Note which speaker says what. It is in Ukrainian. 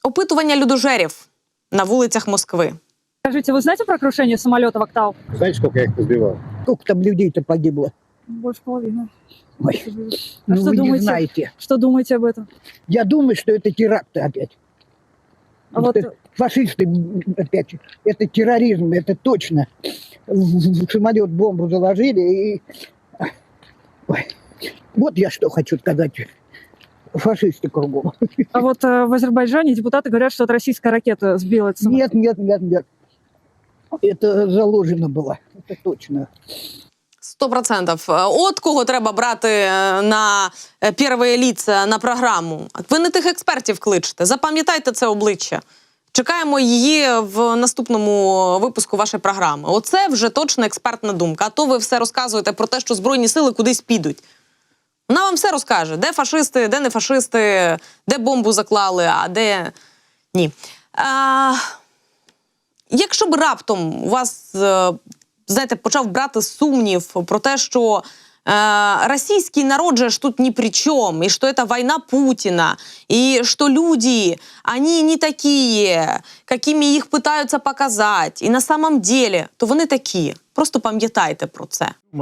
Speaker 1: Опитування людожерів на вулицях Москви.
Speaker 2: Скажите, вы знаете про крушение самолета в Октау?
Speaker 3: Знаете, сколько я их позбивал?
Speaker 4: Сколько там людей-то погибло?
Speaker 2: Больше половины.
Speaker 4: Ой,
Speaker 2: А
Speaker 4: ну
Speaker 2: что
Speaker 4: вы не
Speaker 2: думаете?
Speaker 4: знаете.
Speaker 2: Что думаете об этом?
Speaker 4: Я думаю, что это теракты опять.
Speaker 2: А вот
Speaker 4: Это фашисты опять. Это терроризм, это точно. В самолет бомбу заложили и... Ой. Вот я что хочу сказать. Фашисты кругом.
Speaker 2: в Азербайджане депутаты говорят, что это российская ракета сбила этот самолет.
Speaker 4: Нет. Это заложено было. Это точно.
Speaker 1: 100%. От кого треба брати на перші лица на програму. Ви не тих експертів кличете. Запам'ятайте це обличчя. Чекаємо її в наступному випуску вашої програми. Оце вже точно експертна думка. А то ви все розказуєте про те, що Збройні сили кудись підуть. Вона вам все розкаже. Де фашисти, де не фашисти, де бомбу заклали, а де ні. Якщо б раптом у вас, знаєте, почав брати сумнів про те, що российский народ же тут ни при чем, и что это война Путина, и что люди, они не такие, какими их пытаются показать, и на самом деле, то вони такі. Просто пам'ятайте про це.